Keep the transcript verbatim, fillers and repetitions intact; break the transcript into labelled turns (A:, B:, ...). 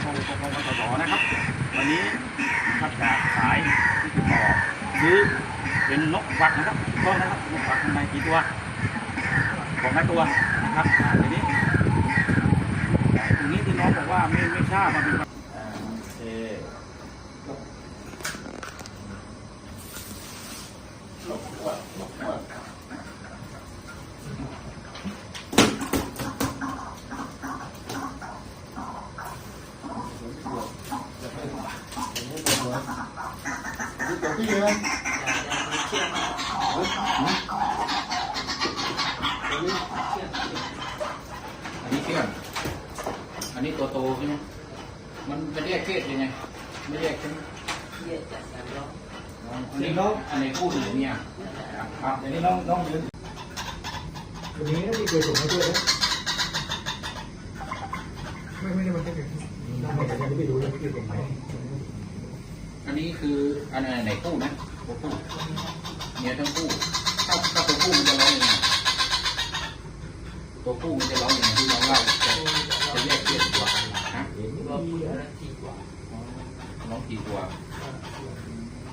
A: กองกองกสนะครับวันนี้ถ้าจะขายที่ติดต่อซื้อเป็นนกวักนะครับก็นะครับนกวักข้างในกี่ตัวของไม้ตัวนะครับทีนี้ตรงนี้ที่น้องบอกว่าไม่ไม่ทราบมันเป็นเออหลบหัวหลบหัวพี่เลยอันนี้เชื่อมอันนี้ตัวโตใช่ไหมมันจะแยกเพศยังไงไม่แยกใช่ไหมแยกจากกันแล้วอันนี้น้องอันนี้คู่หรือเนี่ยครับอันนี้น้องน้องยืนวันนี้ที่เคยส่งมาด้วยนะไม่ไม่ได้มาแค่เพียงน้องไม่ได้ไม่รู้เลยไม่เคยส่งมาอันนี้คืออันไหนคู่นะตัวคู่เนี่ยทั้งคู่ถ้าถ้าตัวคู่มันจะร้องยังไงตัวคู่มันจะร้องยังไงที่น้องเล่าจะจะแยกเทียบกว่าฮะร้องทีกว่าร้องทีกว่า